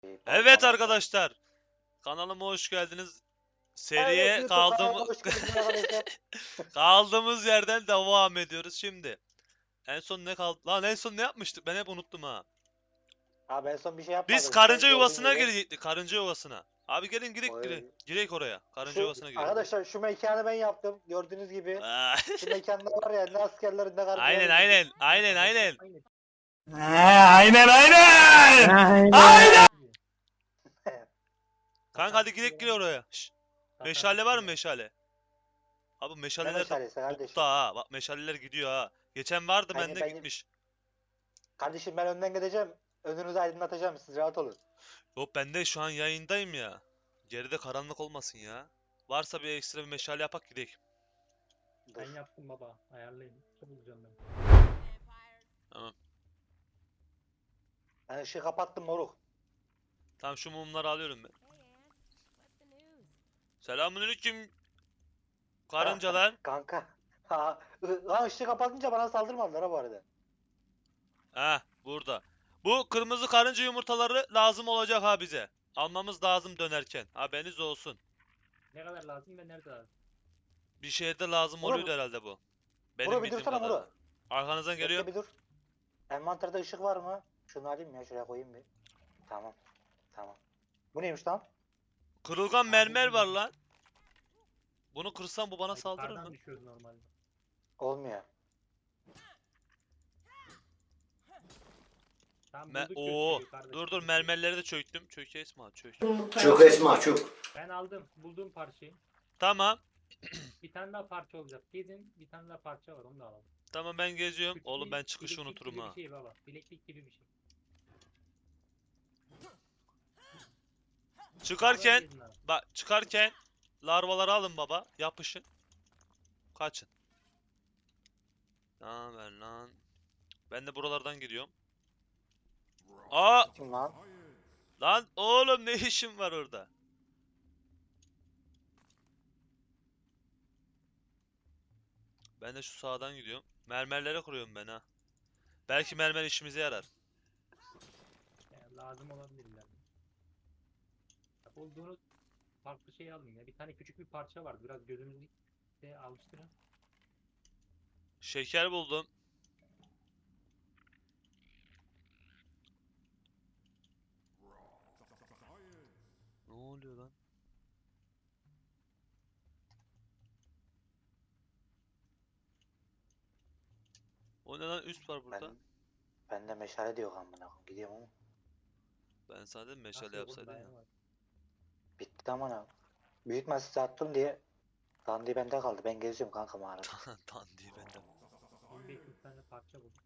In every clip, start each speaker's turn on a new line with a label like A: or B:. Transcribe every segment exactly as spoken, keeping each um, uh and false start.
A: Evet arkadaşlar, kanalıma hoş geldiniz. Seriye
B: Evet, YouTube
A: kaldım
B: kanalıma hoş geldiniz arkadaşlar.
A: kaldığımız yerden devam ediyoruz şimdi. En son ne kaldı? Lan en son ne yapmıştık? Ben hep unuttum ha.
B: Abi en son bir şey
A: Biz
B: yapmadık işte
A: karınca
B: gördüğün
A: yuvasına
B: gibi.
A: girecektik. Karınca yuvasına. Abi gelin girek girek.
B: Oy.
A: Girek oraya. Karınca
B: Şu
A: yuvasına girek.
B: arkadaşlar şu mekanı ben yaptım gördüğünüz gibi.
A: Aa,
B: Şu mekanda var ya ne askerlerin ne
A: aynen
B: karıncaların
A: aynen.
B: girdik.
A: Aynen aynen.
C: aynen aynen. Aynen.
A: Kanka hadi girek gir oraya. Şşş. Meşale var mı meşale? Abi
B: Ne
A: meşaleler de
B: meşalesi kardeşim?
A: bokta ha. Bak meşaleler gidiyor ha. Geçen vardı
B: Ben-
A: bende
B: ben-
A: gitmiş.
B: Kardeşim ben önden gideceğim. Önünüzü aydınlatacağım siz rahat olun.
A: Yok ben de şu an yayındayım ya. Geride karanlık olmasın ya. Varsa bir ekstra bir meşale yapak gidelim.
B: Dur.
D: Ben yaptım baba. Ayarlayın. Ne bulacağım ben?
A: Tamam.
B: Ben ışığı kapattım moruk.
A: Tamam şu mumları alıyorum ben. Selamünaleyküm. Karıncalar.
B: Kanka. Ha, ı- lan ışığı kapatınca bana saldırmadılar ha bu arada.
A: Ha burada. Bu kırmızı karınca yumurtaları lazım olacak ha bize. Almamız lazım dönerken. Haberiniz olsun.
D: Ne kadar lazım ve nerede lazım?
A: Bir şehirde lazım
B: Muro,
A: oluyordu herhalde bu. Benim
B: Muro bir
A: bildiğim
B: dursana
A: kadarıyla.
B: Muro.
A: Arkanızdan
B: Bekle
A: geliyor.
B: bir dur. Envanterde ışık var mı? Şunu alayım ya şuraya koyayım bir. Tamam. Tamam. Bu neymiş lan?
A: Kırılgan mermer var lan. Bunu kırsam bu bana
D: Ay,
A: saldırır
D: yukarıdan
A: mı?
D: düşüyoruz normalde.
B: Olmuyor.
D: Tamam
A: Me
D: bulduk
A: Oo.
D: köşeyi kardeşim.
A: Dur dur mermerleri de çöktüm. Çök Esma çök.
C: Çok Esma çok.
D: Ben aldım. Bulduğum parçayı.
A: Tamam.
D: Bir tane daha parça olacak. Gezin. Bir tane daha parça var. Onu da alalım.
A: Tamam ben geziyorum.
D: Küçük
A: Oğlum
D: bir
A: ben çıkışı
D: bileklik
A: unuturum
D: gibi
A: ha.
D: bir şey baba. Bileklik gibi bir şey.
A: Çıkarken
D: Gezin abi.
A: bak çıkarken larvaları alın baba. Yapışın. Kaçın. Tamam ver lan. Ben de buralardan gidiyorum. Aa
B: Kim lan?
A: lan oğlum ne işin var orada? Ben de şu sağdan gidiyorum. Mermerlere kuruyorum ben ha. Belki mermer işimize yarar.
D: Yani lazım olabilirler. Bulduğunuz farklı şey alın ya. Bir tane küçük bir parça var. Biraz gözünüzü de alıştırın.
A: Şeker buldum. Ne oluyor lan? O ne lan üst var burada.
B: Ben, bende meşale diyor amına koyayım. Gidiyorum ama.
A: Ben sana dedim meşale
D: Nasıl olur,
A: yapsaydın ya.
D: dayanamaz.
B: Bitti amına. Büyütme size attım diye. Dandiği bende kaldı. Ben geziyorum kanka mağarada.
A: Dandiği bende.
D: on beş yüz tane parça bulduk.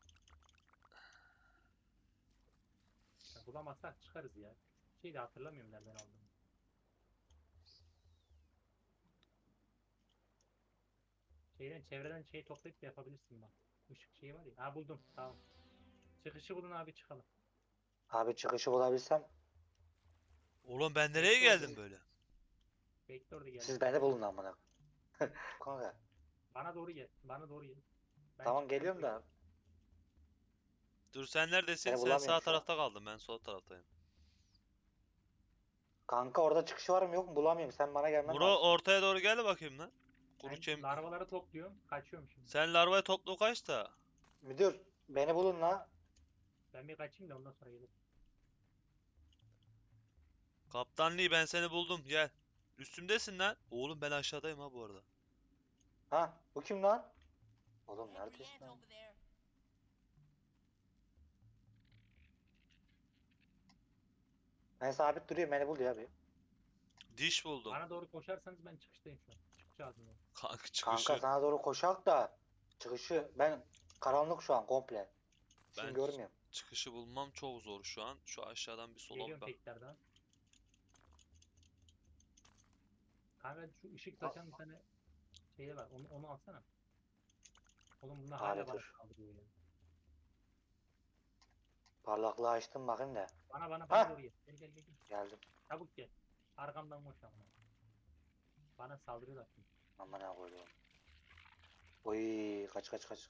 D: Ya bulamazsak çıkarız ya. Şey de hatırlamıyorum nereden aldım. Şeyden çevreden şey toplayıp da yapabilirsin bak. Işık şeyi var ya. Ha buldum. Tamam. Çıkışı bulun abi çıkalım.
B: Abi çıkışı bulabilsem
A: Oğlum ben nereye geldim böyle?
D: Bekle orada gel.
B: siz beni bulun amına. Kanka.
D: Bana doğru gel. Bana doğru gel. Ben
B: Tamam
D: çıktım
B: geliyorum
D: şöyle.
B: da.
A: Dur sen neredesin?
B: Seni
A: Sen
B: bulamıyorum
A: sağ
B: şu an.
A: tarafta kaldın. Ben sol taraftayım.
B: Kanka orada çıkışı var mı yok mu bulamıyorum. Sen bana gelmen
A: Muro
B: lazım.
A: ortaya doğru gel de bakayım lan. Kuru
D: Ben
A: kem...
D: larvaları topluyorum. Kaçıyorum şimdi.
A: Sen larvayı topla kaç da.
B: Müdür beni bulun la.
D: Ben bir kaçayım da ondan sonra gelirim.
A: Kaptanlığı ben seni buldum gel. Üstümdesin lan. Oğlum ben aşağıdayım ha bu arada.
B: Ha bu kim lan? Oğlum neredesin lan? Ben sabit duruyorum beni bul ya bir.
A: Diş buldum.
D: Bana doğru koşarsanız ben çıkıştayım şu an. Çıkış ağzındayım.
A: Kanka çıkışı.
B: Kanka sana doğru koşak da çıkışı ben karanlık şu an komple. Şimdi
A: Ben-
B: görmüyorum.
A: Çıkışı bulmam çok zor şu an. Şu aşağıdan bir sola
D: Geliyorum
A: bak.
D: tekrardan. Kanka şu ışık saçan bir tane şey var. Onu, onu alsana. Oğlum bunlar hala
B: Abi
D: bana
B: dur.
D: saldırıyor ya.
B: Parlaklığı açtım bakın da.
D: Bana bana bana
B: Ha!
D: doğru gel. Gel gel gel. gel.
B: Geldim.
D: Çabuk gel. Arkamdan koş amına. Bana saldırıyorlar şimdi.
B: Amına koyayım. Oy kaç kaç kaç.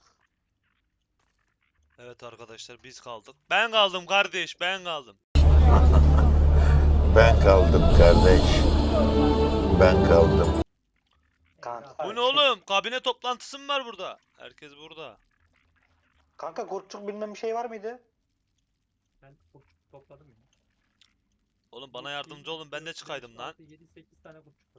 A: Evet arkadaşlar biz kaldık. Ben kaldım kardeş ben kaldım.
E: Ben kaldım kardeş. Ben kaldım.
B: Kanka,
A: Bu ne oğlum? Kabine toplantısı mı var burada? Herkes burada.
B: Kanka kurtçuk bilmem bir şey var mıydı?
D: Ben kurtçuk topladım ya.
A: Oğlum bana yardımcı olun, ben de çıkaydım lan.
D: yedi sekiz tane kurtçuk var.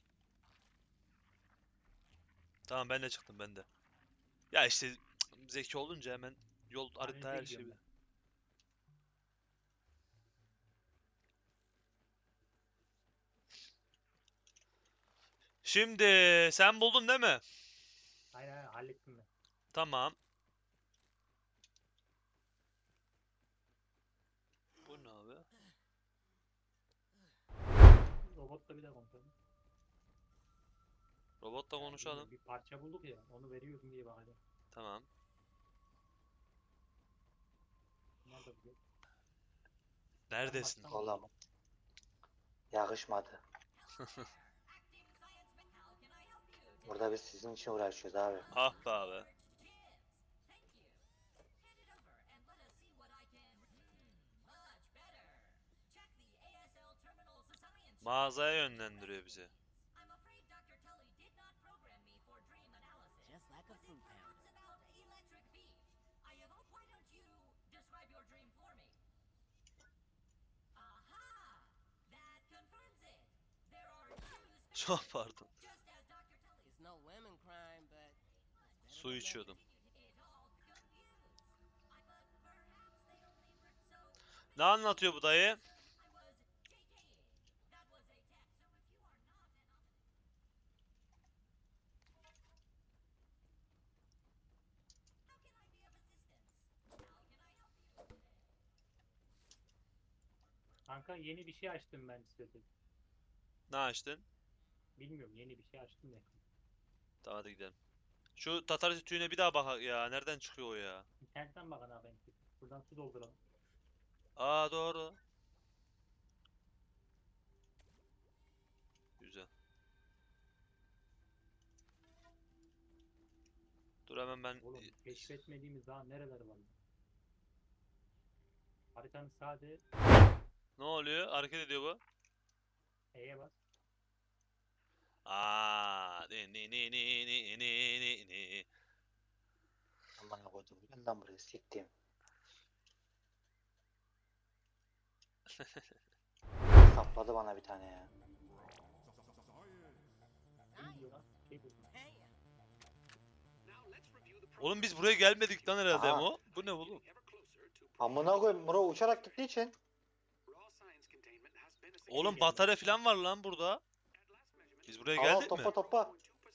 A: Tamam ben de çıktım ben de. Ya işte cık, zeki olunca hemen yol harita
D: Denizde
A: her
D: gidiyorum
A: şey.
D: ben.
A: Şimdi sen buldun değil mi?
D: Aynen aynen hallettim ben.
A: Tamam. Bu ne abi?
D: Robotla bir de konuşalım.
A: Robotla
D: Yani
A: konuşalım.
D: Bir parça bulduk ya, onu veriyorum diye bakacağım.
A: Tamam.
D: Nerede bu?
A: Neredesin?
D: Tamam.
B: Oğlum. Yakışmadı. Burada biz sizin için uğraşıyoruz abi.
A: Ah be abi. Mağazaya yönlendiriyor bizi.
F: Just like a fruit pound.
A: Çok pardon.
F: It's no women crime, but it's
A: Su
F: better than
A: içiyordum. Ne anlatıyor bu dayı?
D: Kanka yeni bir şey açtım ben size.
A: Ne açtın?
D: Bilmiyorum, yeni bir şey açtım ya.
A: Tamam hadi gidelim. Şu Tatar tütüğüne bir daha bak ya. Nereden çıkıyor o ya?
D: İnternetten bakın abi. Buradan su dolduralım.
A: Aa doğru. Güzel. Dur hemen ben...
D: Oğlum keşfetmediğimiz daha nereler var? Haritanın sade
A: Ne oluyor? Hareket ediyor bu.
D: E'ye bas.
A: Aa, ni ni ni ni ni ni ni ni.
B: Aman koydum. Bundan buraya siktim. Sapladı bana bir tane ya.
D: Ne diyor lan? Şey buldum.
A: Oğlum biz buraya gelmedik lan herhalde
B: Aha.
A: Emo. Bu ne oğlum?
B: Amına koyayım. Muro uçarak gittiği için.
A: Oğlum batarya falan var lan burada. Biz buraya
B: Al
A: geldik
B: topla
A: mi?
B: topla.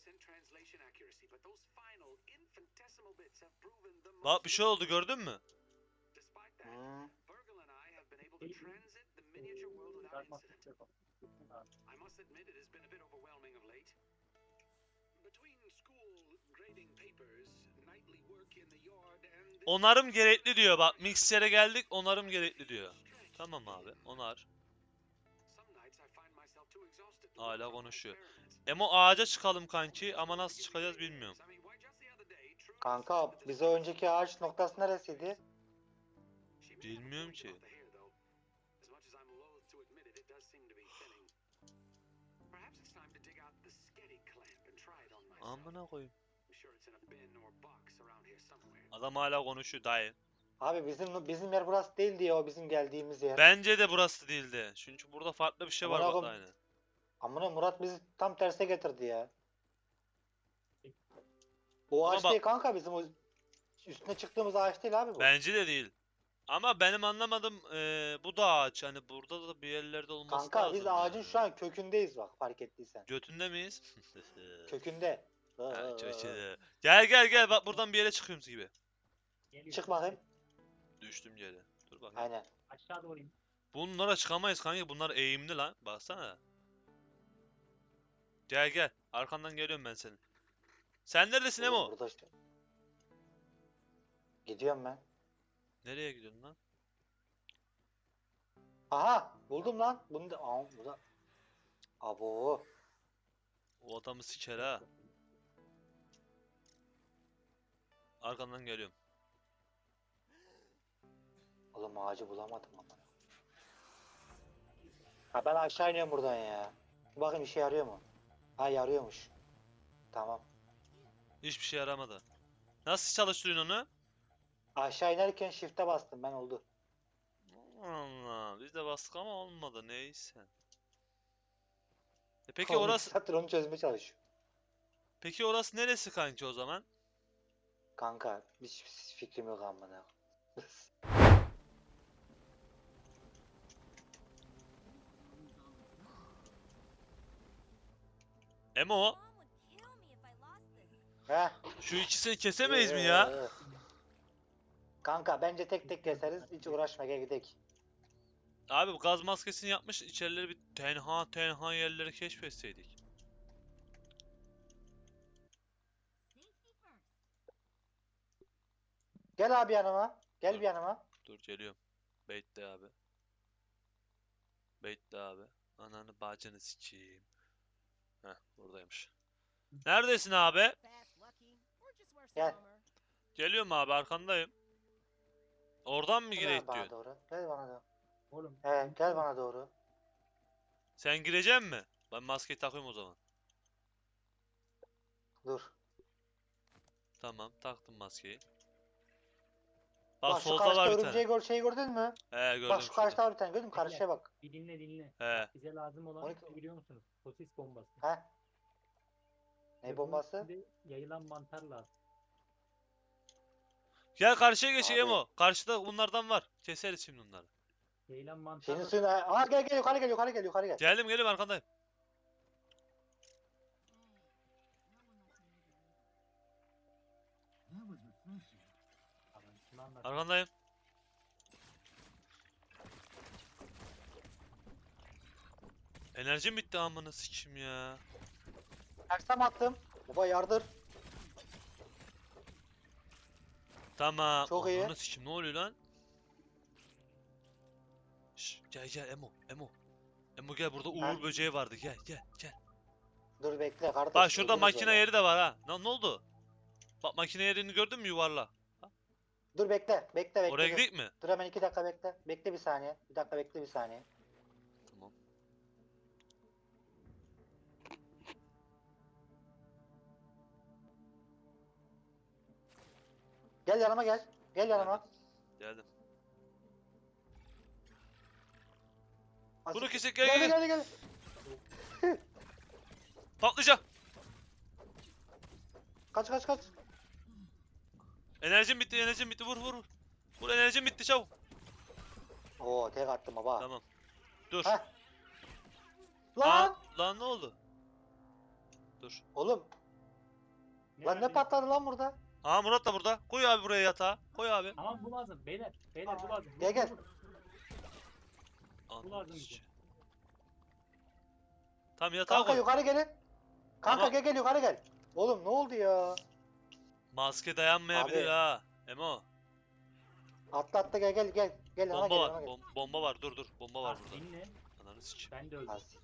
A: Bak bir şey oldu gördün mü?
B: Hmm.
A: Onarım gerekli diyor. Bak miksere geldik onarım gerekli diyor. Tamam abi onar. Hala konuşuyor. Emo ağaca çıkalım kanki ama nasıl çıkacağız bilmiyorum.
B: Kanka bize önceki ağaç noktası neresiydi?
A: Bilmiyorum ki. Amına koyayım. Adam hala konuşuyor dayı.
B: Abi bizim bizim yer burası değil diye o bizim geldiğimiz yer.
A: Bence de burası değildi. Çünkü burada farklı bir şey var
B: Amına
A: bak
B: koyayım.
A: aynı.
B: Amına Murat bizi tam terse getirdi ya. O
A: Ama
B: ağaç
A: bak-
B: değil kanka bizim o üstüne çıktığımız ağaç değil abi bu.
A: Bence de değil. Ama benim anlamadım eee, bu da ağaç. Hani burada da bir yerlerde olması
B: Kanka
A: lazım.
B: biz ağacın
A: yani.
B: şu an kökündeyiz bak fark ettiysen.
A: Götünde miyiz?
B: Kökünde.
A: Ha, çok iyi. Gel gel gel bak buradan bir yere çıkıyoruz gibi.
D: Geliyor.
B: Çık bakayım.
A: Düştüm yere. Dur bakayım.
B: Aynen.
D: Aşağı doğru in.
A: Bunlara çıkamayız kanka. Bunlar eğimli lan. Baksana. Gel gel. Arkandan geliyorum ben senin. Sen neredesin
B: Oğlum
A: Emo?
B: burada işte. Gidiyorum ben.
A: Nereye gidiyorsun lan?
B: Aha buldum lan. Bunu da Aa, bu da. Abo.
A: O adamı siker ha. Arkandan geliyorum.
B: Oğlum ağacı bulamadım ama. Ha ben aşağı iniyorum buradan ya. Bir bakayım işe yarıyor mu? Ha yarıyormuş. Tamam.
A: Hiçbir şey yaramadı. Nasıl çalıştırıyorsun onu?
B: Aşağı inerken shift'e bastım ben oldu.
A: Allah, biz de bastık ama olmadı neyse. E peki
B: Oğlum iki
A: orası
B: saattir onu çözmeye çalışıyor.
A: peki orası neresi kanki o zaman?
B: Kanka hiç fikrim yok amına.
A: Emo,
F: Mom would kill me if I lost this.
B: Heh.
A: şu ikisini kesemeyiz mi ya?
B: Ee, Kanka bence tek tek keseriz. Hiç uğraşma gel gidelim.
A: Abi bu gaz maskesini yapmış, içerileri bir tenha tenha yerleri keşfetseydik.
B: Gel abi yanıma. Gel bir yanıma.
A: Dur geliyorum. Bekle abi. Bekle abi. Ananı bacını sikeyim. Heh buradaymış. Neredesin abi?
F: Fast, lucky, or just wear some
B: Gel.
F: armor.
A: Geliyorum abi arkandayım. Oradan mı
B: Gel
A: gireyim
B: bana
A: diyorsun?
B: doğru. Gel bana doğru.
D: Oğlum.
B: He gel bana doğru.
A: Sen girecek mi? Ben maskeyi takayım o zaman.
B: Dur.
A: Tamam taktım maskeyi. Bak,
B: Bak şu
A: solda
B: karşıda
A: var bir
B: örümceği
A: tane.
B: gör şeyi gördün mü?
A: He gördüm
B: Bak şu
A: şurada.
B: karşıda var bir tane gördün mü? Karşıya bak.
D: Bir dinle dinle.
A: He.
D: Bak, bize lazım olan
B: on iki
D: ne biliyor musunuz? Sosis bombası.
B: He.
D: Ve
B: Ne
D: bunun
B: bombası?
D: içinde yayılan mantar lazım.
A: Gel karşıya geçeyim
B: Abi.
A: o. Karşıda bunlardan var. Keseriz şimdi bunları.
D: Yayılan mantar
B: Senin
D: da-
B: suyun... Aa gel gel yukarı gel yukarı gel yukarı gel.
A: Geldim geldim arkandayım.
D: Tamam, şimdi anlat.
A: Arkandayım. Enerjim bitti amına sikim ya.
B: Taksam attım. Baba yardır.
A: Tamam.
B: Çok iyi.
A: Ananı sikim ne oluyor lan? Şş, gel gel Emo Emo. Emo gel burada
B: Ha?
A: uğur böceği vardı gel gel gel.
B: Dur bekle kardeş.
A: Bak şurada
B: öldürürüz
A: makine
B: onu.
A: yeri de var ha. Ne, ne oldu? Bak makine yerini gördün mü yuvarla?
B: Dur bekle bekle bekle.
A: Oraya
B: dur.
A: gidelim mi?
B: Dur hemen iki dakika bekle. Bekle bir saniye. Bir dakika bekle bir saniye.
A: Tamam.
B: Gel yanıma gel. Gel yanıma.
A: Geldim.
B: As-
A: Bunu kesek gel
B: Gel
A: gel.
B: gel
A: gel.
B: gel. gel.
A: Patlayacak.
B: Kaç kaç kaç.
A: Enerjim bitti enerjim bitti vur vur. vur. Vur enerjim bitti çabuk.
B: Oo tek attım baba.
A: Tamam. Dur.
B: Heh.
A: Lan.
B: Lan.
A: Lan ne oldu? Dur.
B: Oğlum. Lan ne
D: verdi?
B: patladı lan burada?
A: Aa Murat da burada. Koy abi buraya yatağı. Koy abi.
D: Tamam bu lazım. Beyler. Beyler bu lazım.
B: Gel,
D: Vur,
B: gel.
D: vur, vur.
A: Ananı
D: lazım bize.
A: sikeyim. Tamam yatağa
B: Kanka
A: koy.
B: yukarı gelin. Kanka
A: Ama-
B: gel gel yukarı gel. Oğlum ne oldu ya?
A: Maske dayanmayabilir
B: Abi.
A: ha. Emo.
B: Atla atla gel gel gel. Gel yana
A: Bomba
B: gel
A: var.
B: yana gel.
A: bom- bomba var. Dur dur. Bomba var
D: Bak,
A: burada.
D: dinle.
A: Ananı sikeyim.
D: Ben de öldüm.
B: Az.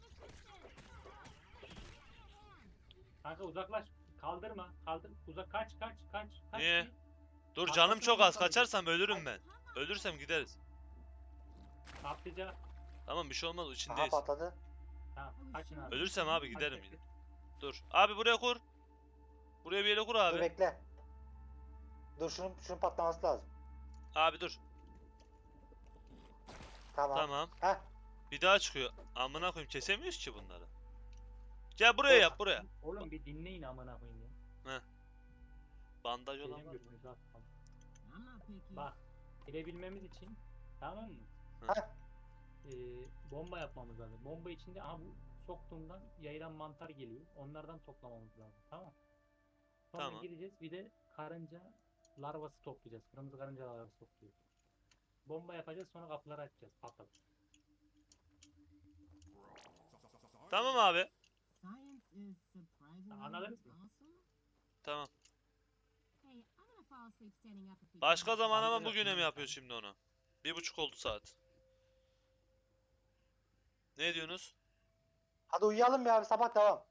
D: Kanka uzaklaş. Kaldırma. Kaldır. Uzak kaç kaç kaç. kaç
A: Niye?
D: bir.
A: Dur
D: Arkasına
A: canım çok az.
D: bakalım.
A: Kaçarsam ölürüm ben. Ölürsem gideriz.
D: Patlayacak.
A: Tamam bir şey olmaz.
B: Aha
A: içindeyiz.
B: patladı.
D: Tamam. Kaçın abi.
A: Ölürsem abi
D: Kaç
A: giderim
D: dakika?
A: yine. Dur. Abi buraya kur. Buraya bir yere kur
B: Dur
A: abi.
B: bekle. Dur şunun, şunun patlaması lazım.
A: Abi dur.
B: Tamam.
A: Tamam.
B: Heh.
A: Bir daha çıkıyor. Amına koyayım kesemiyoruz ki bunları. Gel buraya
B: Dur.
A: yap buraya.
D: Oğlum bir dinleyin amına koyayım ya.
A: Bandaj olan
D: Benim
A: var mı?
D: götünüzü at. Bak. Girebilmemiz için tamam mı?
B: Heh.
D: Ee, bomba yapmamız lazım. Bomba içinde aha bu soktuğumdan yayılan mantar geliyor. Onlardan toplamamız lazım. Tamam. Sonra
A: Tamam.
D: gideceğiz bir de karınca larvası toplayacağız. Kırmızı karınca larvası topluyor. Bomba yapacağız sonra kapıları açacağız. Patlat.
A: Tamam abi.
D: Anladınız mı?
A: Tamam. Başka zaman ama bugüne mi yapıyor şimdi onu? Bir buçuk oldu saat. Ne diyorsunuz?
B: Hadi uyuyalım ya abi sabah devam.